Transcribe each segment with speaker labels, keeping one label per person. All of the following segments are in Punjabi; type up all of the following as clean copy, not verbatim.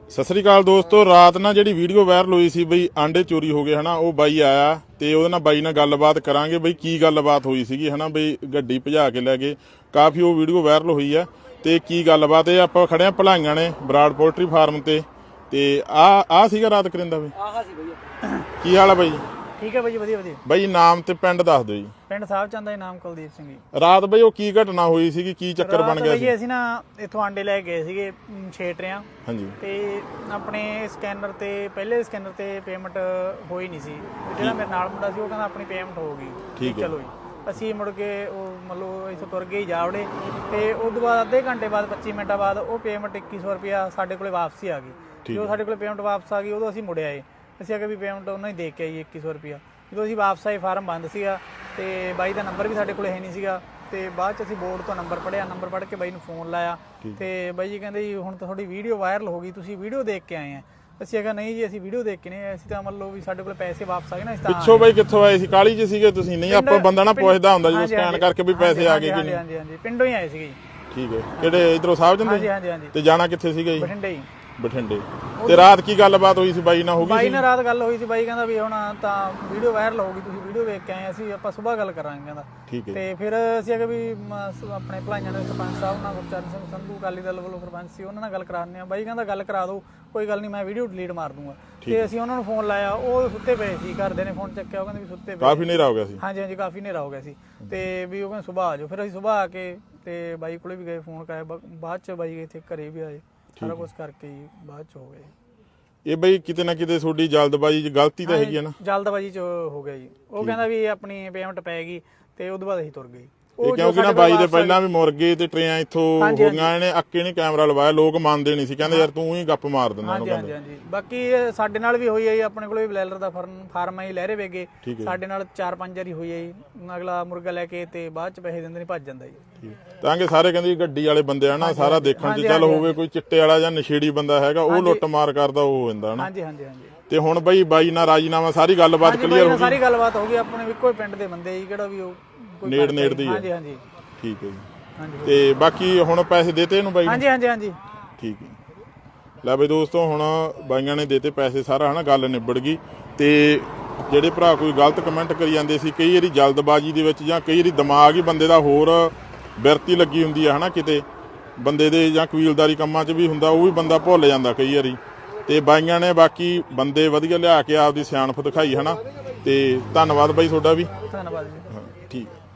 Speaker 1: ਸਤਿ ਸ੍ਰੀ ਅਕਾਲ ਦੋਸਤੋ। ਰਾਤ ਨਾਲ ਜਿਹੜੀ ਵੀਡੀਓ ਵਾਇਰਲ ਹੋਈ ਸੀ ਬਈ ਆਂਡੇ ਚੋਰੀ ਹੋ ਗਏ ਹਨਾ, ਉਹ ਬਾਈ ਆਇਆ ਤੇ ਉਹਦੇ ਨਾਲ ਬਾਈ ਨਾਲ ਗੱਲਬਾਤ ਕਰਾਂਗੇ ਬਈ ਕੀ ਗੱਲਬਾਤ ਹੋਈ ਸੀਗੀ ਹਨਾ। ਬਈ ਗੱਡੀ ਭਜਾ ਕੇ ਲੈ ਗਏ, ਕਾਫੀ ਉਹ ਵੀਡੀਓ ਵਾਇਰਲ ਹੋਈ ਆ ਤੇ ਕੀ ਗੱਲਬਾਤ ਇਹ ਆਪਾਂ ਖੜੇ ਆ ਭਲਾਈਆਂ ਨੇ ਬਰਾੜ ਪੋਲਟਰੀ ਫਾਰਮ ਤੇ ਆ ਸੀਗਾ ਰਾਤ ਕਰਿੰਦਾ ਬਈ।
Speaker 2: ਆਹਾ ਸੀ ਬਈ।
Speaker 1: ਕੀ ਹਾਲ ਆ ਬਾਈ?
Speaker 2: ਠੀਕ ਹੈ ਬਾਈ, ਵਧੀਆ ਵਧੀਆ।
Speaker 1: ਬਾਈ ਨਾਮ ਤੇ ਪਿੰਡ ਦੱਸ ਦਿਓ ਜੀ।
Speaker 2: ਪਿੰਡ ਸਾਹਿਬ ਚੰਦ ਦਾ ਨਾਮ ਕੁਲਦੀਪ ਸਿੰਘ ਜੀ।
Speaker 1: ਰਾਤ ਬਈ ਉਹ ਕੀ ਘਟਨਾ ਹੋਈ ਸੀਗੀ, ਕੀ ਚੱਕਰ ਬਣ ਗਿਆ ਸੀ?
Speaker 2: ਅਸੀਂ ਨਾ ਇੱਥੋਂ ਆਂਡੇ ਲੈ ਗਏ ਸੀਗੇ 6 ਟਰਿਆਂ।
Speaker 1: ਹਾਂਜੀ।
Speaker 2: ਤੇ ਆਪਣੇ ਸਕੈਨਰ ਤੇ ਪਹਿਲੇ ਸਕੈਨਰ ਤੇ ਪੇਮੈਂਟ ਹੋਈ ਨਹੀਂ ਸੀ। ਜਿਹੜਾ ਮੇਰੇ ਨਾਲ ਮੁੰਡਾ ਸੀ ਉਹ ਕਹਿੰਦਾ ਆਪਣੀ ਪੇਮੈਂਟ ਹੋ ਗਈ।
Speaker 1: ਠੀਕ ਹੈ।
Speaker 2: ਚਲੋ ਜੀ ਅਸੀਂ ਮੁੜ ਕੇ ਉਹ ਮਤਲਬ ਇੱਥੋਂ ਤੁਰ ਗਏ ਜਾਵੜੇ ਤੇ ਉਸ ਤੋਂ ਬਾਅਦ ਅੱਧੇ ਘੰਟੇ ਬਾਅਦ 25 ਮਿੰਟਾਂ ਬਾਅਦ ਉਹ ਪੇਮੈਂਟ 2100 ਰੁਪਇਆ ਸਾਡੇ ਕੋਲੇ ਵਾਪਸੀ ਆ ਗਈ। ਜਦੋਂ ਸਾਡੇ ਕੋਲੇ ਪੇਮੈਂਟ ਵਾਪਸ ਆ ਗਈ ਉਦੋਂ ਅਸੀਂ ਮੁੜ ਆਏ। ਅਸੀਂ ਅਗੇ ਵੀ ਪੇਮੈਂਟ ਉਹਨਾਂ ਹੀ ਦੇ ਕੇ ਆਈ 2100 ਰੁਪਇਆ। ਜਦੋਂ ਅਸੀਂ ਵਾਪਸ ਆਏ ਫਾਰਮ ਬੰਦ ਸੀਗਾ ਤੇ ਬਾਈ ਦਾ ਨੰਬਰ ਵੀ ਸਾਡੇ ਕੋਲ ਹੈ ਨਹੀਂ ਸੀਗਾ। ਤੇ ਬਾਅਦ ਚ ਅਸੀਂ ਬੋਰਡ ਤੋਂ ਨੰਬਰ ਪੜਿਆ, ਨੰਬਰ ਪੜ੍ਹ ਕੇ ਬਾਈ ਨੂੰ ਫੋਨ ਲਾਇਆ ਤੇ ਬਾਈ ਜੀ ਕਹਿੰਦੇ ਜੀ ਹੁਣ ਤਾਂ ਤੁਹਾਡੀ ਵੀਡੀਓ ਵਾਇਰਲ ਹੋ ਗਈ, ਤੁਸੀਂ ਵੀਡੀਓ ਦੇਖ ਕੇ ਆਏ ਆ। ਅਸੀਂ ਕਿਹਾ ਨਹੀਂ ਜੀ ਅਸੀਂ ਵੀਡੀਓ ਦੇਖ ਕੇ ਨਹੀਂ, ਅਸੀਂ ਤਾਂ ਮੰਨ ਲਓ ਵੀ ਸਾਡੇ ਕੋਲ ਪੈਸੇ ਵਾਪਸ ਆ ਗਏ ਨਾ। ਇਸ ਤਰ੍ਹਾਂ
Speaker 1: ਪਿੱਛੋਂ ਬਾਈ ਕਿੱਥੋਂ ਆਏ ਸੀ? ਕਾਲੀ ਚ ਸੀਗੇ ਤੁਸੀਂ? ਨਹੀਂ ਆਪਾਂ ਬੰਦਾ ਨਾ ਪੁੱਛਦਾ ਹੁੰਦਾ ਜਦੋਂ ਸਕੈਨ ਕਰਕੇ ਵੀ ਪੈਸੇ ਆ ਗਏ ਕਿ ਨਹੀਂ।
Speaker 2: ਹਾਂਜੀ ਹਾਂਜੀ ਪਿੰਡੋਂ ਹੀ ਆਏ ਸੀਗੇ ਜੀ।
Speaker 1: ਠੀਕ ਹੈ। ਕਿਹੜੇ ਇਧਰੋਂ ਸਾਹਿਬ ਜੰਦੇ?
Speaker 2: ਹਾਂਜੀ ਹਾਂਜੀ ਹਾਂਜੀ।
Speaker 1: ਤੇ ਜਾਣਾ ਕਿੱਥੇ ਸੀਗਾ ਜੀ?
Speaker 2: ਬਠਿੰਡੇ ਹੀ।
Speaker 1: ਬਠਿੰਡੇ। ਤੇ ਰਾਤ ਕੀ ਗੱਲਬਾਤ ਹੋਈ ਸੀ ਬਾਈ ਨਾਲ? ਹੋ ਗਈ
Speaker 2: ਬਾਈ ਨਾਲ ਰਾਤ ਗੱਲ ਹੋਈ ਸੀ। ਬਾਈ ਕਹਿੰਦਾ ਵੀ ਹੁਣ ਤਾਂ ਵੀਡੀਓ ਵਾਇਰਲ ਹੋ ਗਈ, ਤੁਸੀਂ ਵੀਡੀਓ ਵੇਖ ਕੇ ਆਏ, ਅਸੀਂ ਆਪਾਂ ਸਵੇਰ ਗੱਲ ਕਰਾਂਗੇ ਕਹਿੰਦਾ।
Speaker 1: ਠੀਕ ਹੈ।
Speaker 2: ਤੇ ਫਿਰ ਅਸੀਂ ਅਗੇ ਵੀ ਆਪਣੇ ਭਲਾਈਆਂ ਦੇ ਸਰਪੰਚ ਸਾਹਿਬ ਨਾਲ ਗੁਰਚਰਨ ਸਿੰਘ ਸੰਧੂ ਅਕਾਲੀ ਦਲ ਵੱਲੋਂ ਸਰਪੰਚ ਸੀ, ਉਹਨਾਂ ਨਾਲ ਗੱਲ ਕਰਾਉਂਦੇ ਆ। ਬਾਈ ਕਹਿੰਦਾ ਗੱਲ ਕਰਾ ਦਿਓ, ਕੋਈ ਗੱਲ ਨਹੀਂ, ਮੈਂ ਵੀਡੀਓ ਡਿਲੀਟ ਮਾਰ ਦੂੰਗਾ। ਤੇ ਅਸੀਂ ਉਹਨਾਂ ਨੂੰ ਫੋਨ ਲਾਇਆ, ਉਹ ਸੁੱਤੇ ਪਏ ਸੀ। ਘਰਦੇ ਨੇ ਫੋਨ ਚੱਕਿਆ, ਉਹ ਕਹਿੰਦੇ ਵੀ ਸੁੱਤੇ ਪਏ।
Speaker 1: ਕਾਫੀ ਹਨੇਰਾ ਹੋ ਗਿਆ ਸੀ?
Speaker 2: ਹਾਂਜੀ ਹਾਂਜੀ ਕਾਫੀ ਹਨੇਰਾ ਹੋ ਗਿਆ ਸੀ। ਤੇ ਵੀ ਉਹ ਕਹਿੰਦੇ ਸੁਬਾਹ ਆ ਜਾਓ। ਫਿਰ ਅਸੀਂ ਸੁਬਾਹ ਆ ਕੇ ਤੇ ਬਾਈ ਕੋਲੇ ਵੀ ਗਏ, ਫੋਨ ਕਰਾਇਆ। ਬਾਅਦ ਚ ਬਾਈ ਇੱਥੇ ਘਰੇ ਵੀ ਆਏ, ਸਾਰਾ ਕੁਝ ਕਰਕੇ ਹੀ ਬਾਅਦ ਚ ਹੋ ਗਏ।
Speaker 1: ਇਹ ਬਈ ਕਿਤੇ ਨਾ ਕਿਤੇ ਤੁਹਾਡੀ ਜਲਦਬਾਜ਼ੀ ਚ ਗਲਤੀ ਤਾਂ ਹੈਗੀ ਹੈ ਨਾ?
Speaker 2: ਜਲਦਬਾਜ਼ੀ ਚ ਹੋ ਗਿਆ ਜੀ। ਉਹ ਕਹਿੰਦਾ ਵੀ ਆਪਣੀ ਪੇਮੈਂਟ ਪੈ ਗਈ ਤੇ ਉਦੋਂ ਬਾਅਦ ਅਸੀਂ ਤੁਰ ਗਏ।
Speaker 1: ਕਿਉਂਕਿ ਨਾ ਬਾਈ ਦੇ ਪਹਿਲਾਂ ਵੀ ਮੁਰਗੇ ਤੇ ਟਰੇਆਂ ਇੱਥੋਂ ਹੋ ਗਈਆਂ। ਇਹਨੇ ਅੱਕੇ ਨਹੀਂ ਕੈਮਰਾ ਲਵਾਇਆ, ਲੋਕ ਮੰਨਦੇ ਨਹੀਂ ਸੀ, ਕਹਿੰਦੇ ਯਾਰ ਤੂੰ ਹੀ ਗੱਪ ਮਾਰ ਦਿੰਦਾ।
Speaker 2: ਹਾਂਜੀ ਹਾਂਜੀ ਹਾਂਜੀ। ਬਾਕੀ ਸਾਡੇ ਨਾਲ ਵੀ ਹੋਈ ਹੈ ਜੀ, ਆਪਣੇ ਕੋਲ ਵੀ ਬਲੈਲਰ ਦਾ ਫਾਰਮ ਹੈ ਲਹਿਰੇ ਵੇਗੇ। ਸਾਡੇ ਨਾਲ 4-5 ਵਾਰੀ ਹੋਈ ਹੈ ਜੀ। ਅਗਲਾ ਮੁਰਗਾ ਲੈ ਕੇ ਤੇ ਬਾਅਦ ਚ ਪੈਸੇ ਦਿੰਦੇ ਨਹੀਂ, ਭੱਜ ਜਾਂਦਾ ਜੀ।
Speaker 1: ਤਾਂ ਕਿ ਸਾਰੇ ਕਹਿੰਦੇ ਗੱਡੀ ਵਾਲੇ ਬੰਦੇ ਆ ਨਾ, ਸਾਰਾ ਦੇਖਣ ਚ ਚੱਲ ਹੋਵੇ ਕੋਈ ਚਿੱਟੇ ਵਾਲਾ ਜਾਂ ਨਸ਼ੇੜੀ ਬੰਦਾ ਹੈਗਾ, ਉਹ ਲੁੱਟ ਮਾਰ ਕਰਦਾ ਉਹ ਹੋ ਜਾਂਦਾ ਨਾ।
Speaker 2: ਹਾਂਜੀ ਹਾਂਜੀ ਹਾਂਜੀ।
Speaker 1: ਤੇ ਹੁਣ ਬਾਈ ਨਾਲ ਰਾਜੀਨਾਮਾ ਸਾਰੀ ਗੱਲਬਾਤ ਕਲੀਅਰ ਹੋ ਗਈ?
Speaker 2: ਸਾਰੀ ਗੱਲਬਾਤ ਹੋ ਗਈ। ਆਪਣੇ ਇੱਕੋ ਹੀ ਪਿੰਡ ਦੇ ਬੰਦੇ ਜੀ, ਕਿਹੜਾ ਵੀ ਉਹ
Speaker 1: ਨੇੜ ਦੀ ਹੈ।
Speaker 2: ਹਾਂਜੀ ਹਾਂਜੀ
Speaker 1: ਠੀਕ ਹੈ ਜੀ। ਤੇ ਬਾਕੀ ਹੁਣ ਪੈਸੇ ਦੇਤੇ ਇਹਨੂੰ ਬਾਈ?
Speaker 2: ਹਾਂਜੀ ਹਾਂਜੀ ਹਾਂਜੀ।
Speaker 1: ਠੀਕ ਹੈ। ਲੈ ਬਈ ਦੋਸਤੋ, ਹੁਣ ਬਾਈਆਂ ਨੇ ਦੇਤੇ ਪੈਸੇ, ਸਾਰਾ ਹਨਾ ਗੱਲ ਨਿਬੜ ਗਈ। ਤੇ ਜਿਹੜੇ ਭਰਾ ਕੋਈ ਗਲਤ ਕਮੈਂਟ ਕਰੀ ਜਾਂਦੇ ਸੀ, ਕਈ ਵਾਰੀ ਜਲਦਬਾਜ਼ੀ ਦੇ ਵਿੱਚ ਜਾਂ ਕਈ ਵਾਰੀ ਦਿਮਾਗ ਹੀ ਬੰਦੇ ਦਾ ਹੋਰ ਬਿਰਤੀ ਲੱਗੀ ਹੁੰਦੀ ਹੈ ਹਨਾ, ਕਿਤੇ ਬੰਦੇ ਦੇ ਜਾਂ ਕਬੀਲਦਾਰੀ ਕੰਮਾਂ 'ਚ ਵੀ ਹੁੰਦਾ, ਉਹ ਵੀ ਬੰਦਾ ਭੁੱਲ ਜਾਂਦਾ ਕਈ ਵਾਰੀ। ਤੇ ਬਾਈਆਂ ਨੇ ਬਾਕੀ ਬੰਦੇ ਵਧੀਆ ਲਿਆ ਕੇ ਆਪਦੀ ਸਿਆਣਪ ਦਿਖਾਈ ਹਨਾ। ਤੇ ਧੰਨਵਾਦ ਬਾਈ ਤੁਹਾਡਾ ਵੀ।
Speaker 2: ਧੰਨਵਾਦ ਜੀ।
Speaker 1: ਹਾਂ ਠੀਕ ਹੈ।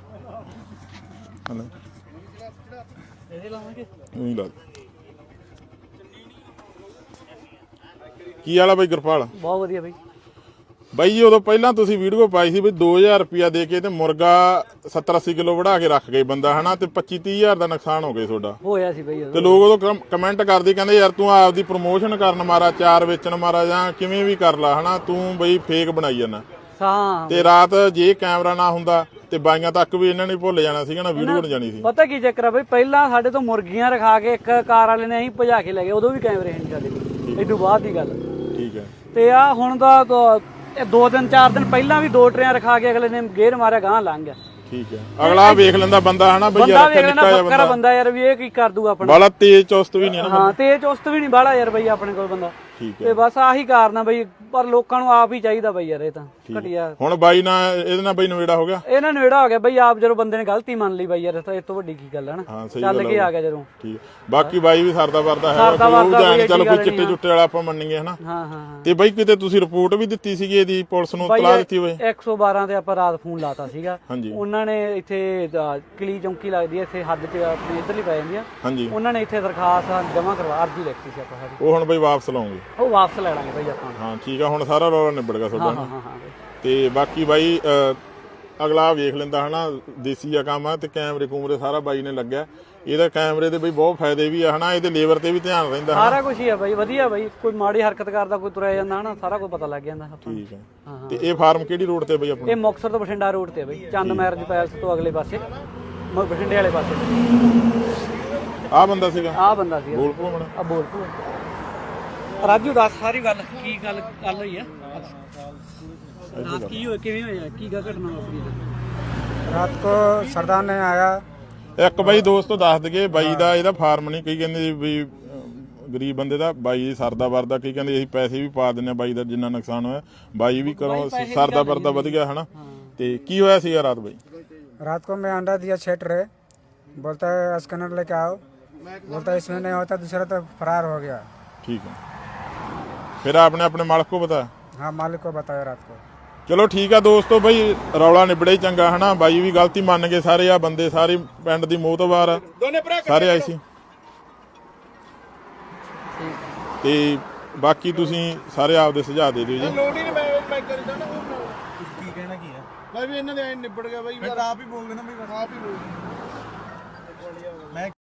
Speaker 1: ਕੀ ਹਾਲ ਆ ਬਾਈ ਗੁਰਪਾਲ?
Speaker 2: ਬਹੁਤ ਵਧੀਆ ਬਾਈ।
Speaker 1: ਬਾਈ ਜੀ ਉਦੋਂ ਪਹਿਲਾਂ ਤੁਸੀਂ ਵੀਡੀਓ ਪਾਈ ਸੀ ਵੀ 2000 ਰੁਪਇਆ ਦੇ ਕੇ ਤੇ ਮੁਰਗਾ 70-80 ਕਿਲੋ ਵੜਾ ਕੇ ਰੱਖ ਗਏ ਬੰਦਾ ਹਨਾ, ਤੇ 25-30 ਹਜ਼ਾਰ ਦਾ ਨੁਕਸਾਨ ਹੋ ਗਿਆ ਤੁਹਾਡਾ।
Speaker 2: ਹੋਇਆ ਸੀ ਬਾਈ।
Speaker 1: ਤੇ ਲੋਕ ਉਦੋਂ ਕਮੈਂਟ ਕਰਦੇ, ਕਹਿੰਦੇ ਯਾਰ ਤੂੰ ਆਪਦੀ ਪ੍ਰਮੋਸ਼ਨ ਕਰਨ ਮਾਰਾ, ਚਾਰ ਵੇਚਣ ਮਾਰਾ, ਜਾਂ ਕਿਵੇਂ ਵੀ ਕਰ ਲਾ ਹਨਾ, ਤੂੰ ਬਈ ਫੇਕ ਬਣਾਈ ਜਾਂਦਾ। ਤੇ ਰਾਤ ਜੇ ਕੈਮਰਾ ਨਾ ਹੁੰਦਾ ਤੇ ਬਾਈਆਂ ਤੱਕ ਵੀ ਇਹਨਾਂ ਨੇ ਭੁੱਲ ਜਾਣਾ ਸੀਗਾ ਨਾ, ਵੀਡੀਓ ਬਣ ਜਾਣੀ ਸੀ।
Speaker 3: ਪਤਾ ਕੀ ਚੱਕਰ ਆ ਬਈ, ਪਹਿਲਾਂ ਸਾਡੇ ਤੋਂ ਮੁਰਗੀਆਂ ਰਖਾ ਕੇ ਇੱਕ ਕਾਰ ਵਾਲੇ ਨੇ ਅਸੀਂ ਭਜਾ ਕੇ ਲੈ ਗਏ, ਉਦੋਂ ਵੀ ਕੈਮਰੇ ਨਹੀਂ ਸਾਡੇ ਕੋਲ, ਏਡੂ ਬਾਅਦ ਦੀ ਗੱਲ।
Speaker 1: ਠੀਕ ਹੈ।
Speaker 3: ਤੇ ਆ ਹੁਣ ਦਾ 2-4 ਦਿਨ ਪਹਿਲਾਂ ਵੀ 2 ਟਰੇਆਂ ਰਖਾ ਕੇ ਅਗਲੇ ਨੇ ਗੇਰ ਮਾਰਿਆ, ਗਾਂ ਲੰਘ ਗਿਆ।
Speaker 1: ਠੀਕ ਹੈ। ਅਗਲਾ ਵੇਖ ਲੈਂਦਾ ਬੰਦਾ ਹਨਾ ਬਈ,
Speaker 3: ਬੰਦਾ ਵੇਖ ਲੈਂਦਾ ਬੱਕਰਾ ਬੰਦਾ ਯਾਰ, ਵੀ ਇਹ ਕੀ ਕਰ ਦੂਗਾ ਆਪਣਾ।
Speaker 1: ਬਾਲਾ ਤੇਜ਼ ਚੁਸਤ ਵੀ ਨਹੀਂ ਨਾ।
Speaker 3: ਹਾਂ ਤੇਜ਼ ਚੁਸਤ ਵੀ ਨਹੀਂ ਬਾਲਾ ਯਾਰ ਬਈ ਆਪਣੇ ਕੋਲ ਬੰਦਾ।
Speaker 1: ਠੀਕ ਹੈ।
Speaker 3: ਤੇ ਬਸ ਆਹੀ ਕਾਰਨ ਆ ਬਈ, ਪਰ ਲੋਕਾਂ ਨੂੰ ਆਪ ਹੀ ਚਾਹੀਦਾ ਬਈ ਯਾਰ, ਇਹ ਤਾਂ ਘਟਿਆ।
Speaker 1: ਹੁਣ ਬਾਈ ਨਾਲ ਇਹਦੇ ਨਾਲ ਬਈ ਨਵੇੜਾ ਹੋ ਗਿਆ?
Speaker 3: ਇਹਨਾਂ ਨੇੜਾ ਹੋ ਗਿਆ ਬਈ, ਆਪ ਜਦੋਂ ਬੰਦੇ ਨੇ ਗਲਤੀ ਮੰਨ ਲਈ ਬਈ ਯਾਰ, ਇਹ ਤੋਂ ਵੱਡੀ ਕੀ ਗੱਲ ਹੈ ਨਾ। ਚੱਲ ਕੇ ਆ ਗਿਆ ਜਦੋਂ।
Speaker 1: ਠੀਕ। ਬਾਕੀ ਬਾਈ ਵੀ ਸਰਦਾ ਵਰਦਾ ਹੈ, ਚਲੋ ਕੋਈ ਚਿੱਟੇ ਚੁੱਟੇ ਵਾਲਾ ਆਪਾਂ ਮੰਨੀਏ ਹਨਾ।
Speaker 3: ਹਾਂ ਹਾਂ।
Speaker 1: ਤੇ ਬਾਈ ਕਿਤੇ ਤੁਸੀਂ ਰਿਪੋਰਟ ਵੀ ਦਿੱਤੀ ਸੀਗੀ ਇਹਦੀ, ਪੁਲਿਸ ਨੂੰ ਇਤਲਾਹ ਦਿੱਤੀ ਹੋਵੇ?
Speaker 3: 112 ਤੇ ਆਪਾਂ ਰਾਤ ਫੋਨ ਲਾਤਾ ਸੀਗਾ।
Speaker 1: ਹਾਂਜੀ।
Speaker 3: ਉਹਨਾਂ ਨੇ ਇੱਥੇ ਕਲੀ ਚੌਂਕੀ ਲੱਗਦੀ ਹੈ ਇੱਥੇ ਹੱਦ 'ਚ ਆਪਣੇ ਇੱਧਰ ਹੀ ਪੈ ਜਾਂਦੀ ਆ।
Speaker 1: ਹਾਂਜੀ।
Speaker 3: ਉਹਨਾਂ ਨੇ ਇੱਥੇ ਦਰਖਾਸਤ ਜਮ੍ਹਾਂ ਕਰਵਾ, ਅਰਜੀ ਲਿਖਤੀ ਸੀ ਆਪਾਂ ਸਾਡੀ।
Speaker 1: ਉਹ ਹੁਣ ਬਾਈ ਵਾਪਸ ਲਾਉਂਗੇ?
Speaker 3: ਉਹ ਵਾਪਸ ਲੈ ਲਾਂਗੇ ਬਾਈ ਆਪਾਂ।
Speaker 1: ਹਾਂ ਠੀਕ ਆ, ਹੁਣ ਸਾਰਾ ਰੌਲਾ ਨਿਬੜ ਗਿਆ ਤੁਹਾਡਾ।
Speaker 3: ਹਾਂ ਹਾਂ ਹਾਂ।
Speaker 1: ਤੇ ਬਾਕੀ ਬਾਈ ਅਗਲਾ ਵੇਖ ਲੈਂਦਾ ਹਨਾ, ਦੇਸੀ ਆ ਕੰਮ ਆ। ਤੇ ਕੈਮਰੇ ਕੂਮਰੇ ਸਾਰਾ ਬਾਈ ਨੇ ਲੱਗਿਆ। ਇਹਦਾ ਕੈਮਰੇ ਦੇ ਬਈ ਬਹੁਤ ਫਾਇਦੇ ਵੀ ਆ ਹਨਾ, ਇਹਦੇ ਲੇਬਰ ਤੇ ਵੀ ਧਿਆਨ ਰਹਿੰਦਾ।
Speaker 3: ਸਾਰਾ ਕੁਝ ਹੀ ਆ ਬਾਈ, ਵਧੀਆ ਬਾਈ। ਕੋਈ ਮਾੜੀ ਹਰਕਤ ਕਰਦਾ, ਕੋਈ ਤੁਰਿਆ ਜਾਂਦਾ ਹਨਾ, ਸਾਰਾ ਕੁਝ ਪਤਾ ਲੱਗ ਜਾਂਦਾ ਆਪਾਂ।
Speaker 1: ਠੀਕ ਹੈ। ਤੇ ਇਹ ਫਾਰਮ ਕਿਹੜੀ ਰੋਡ ਤੇ ਬਈ ਆਪਣਾ?
Speaker 3: ਇਹ ਮੁਕਤਸਰ ਤੋਂ ਬਠਿੰਡਾ ਰੋਡ ਤੇ ਬਾਈ, ਚੰਦ ਮੈਰਿਜ ਪੈਲਸ ਤੋਂ ਅਗਲੇ ਪਾਸੇ, ਬਠਿੰਡੇ ਵਾਲੇ ਪਾਸੇ।
Speaker 1: ਆਹ ਬੰਦਾ ਸੀਗਾ?
Speaker 3: ਆਹ ਬੰਦਾ ਸੀ।
Speaker 1: ਬੋਲ ਪੋ
Speaker 3: ਆ ਬੋਲ ਪੋ ਰਾਜੂ, ਦੱਸ ਸਾਰੀ ਗੱਲ ਕੀ ਗੱਲ ਹੋਈ ਆ ਰਾਤ, ਕੀ ਹੋਇਆ, ਕਿਵੇਂ ਹੋਇਆ, ਕੀ ਘਟਨਾ ਵਾਪਰੀ?
Speaker 2: ਰਾਤ ਕੋ ਸਰਦਾਰ ਨੇ ਆਇਆ।
Speaker 1: ਇੱਕ ਬਾਈ ਦੋਸਤੋ ਦੱਸ ਦਈਏ, ਬਾਈ ਦਾ ਇਹਦਾ ਫਾਰਮ ਨਹੀਂ, ਕਈ ਕਹਿੰਦੇ ਵੀ ਗਰੀਬ ਬੰਦੇ ਦਾ ਬਾਈ ਦੀ ਸਰਦਾ ਵਰਦਾ, ਕੀ ਕਹਿੰਦੇ ਅਸੀਂ ਪੈਸੇ ਵੀ ਪਾ ਦਿੰਨੇ ਬਾਈ ਦਾ ਜਿੰਨਾ ਨੁਕਸਾਨ ਹੋਇਆ, ਬਾਈ ਵੀ ਕਰੋ ਸਰਦਾ ਵਰਦਾ ਵਧ ਗਿਆ ਹਨਾ। ਤੇ ਕੀ ਹੋਇਆ ਸੀਗਾ ਰਾਤ ਬਾਈ?
Speaker 4: रात को मैं अंडा दिया छेट रहे, बोलता है स्कैनर लेके आओ, बोलता है इसमें नहीं होता, दूसरा तो फरार हो गया।
Speaker 1: ठीक है, फिर आपने अपने मालिक को बताया?
Speaker 4: हाँ मालिक को बताया रात को।
Speaker 1: ਚਲੋ ਠੀਕ ਆ ਦੋਸਤੋ ਬਈ, ਰੌਲਾ ਨਿਬੜੇ ਹੀ ਚੰਗਾ ਹਨਾ। ਬਾਈ ਵੀ ਗਲਤੀ ਮੰਨ ਗਏ, ਸਾਰੇ ਆ ਬੰਦੇ ਸਾਰੇ ਪਿੰਡ ਦੀ ਮੋਹਤਬਾਰ ਆ, ਸਾਰੇ ਆਏ ਸੀ। ਤੇ ਬਾਕੀ ਤੁਸੀਂ ਸਾਰੇ ਆਪਦੇ ਸੁਝਾਅ ਦੇ ਦਿਓ ਜੀ।
Speaker 5: ਲੋੜ ਹੀ ਨਹੀਂ, ਮੈਂ ਕਰਦਾ ਨਾ ਕੀ ਕਹਿਣਾ ਕੀ ਹੈ ਬਾਈ ਵੀ ਇਹਨਾਂ ਦੇ ਐ ਨਿਬੜ ਗਿਆ ਬਾਈ, ਆਪ ਹੀ ਬੋਲ ਦੇਣਾ ਬਈ, ਆਪ ਹੀ ਬੋਲ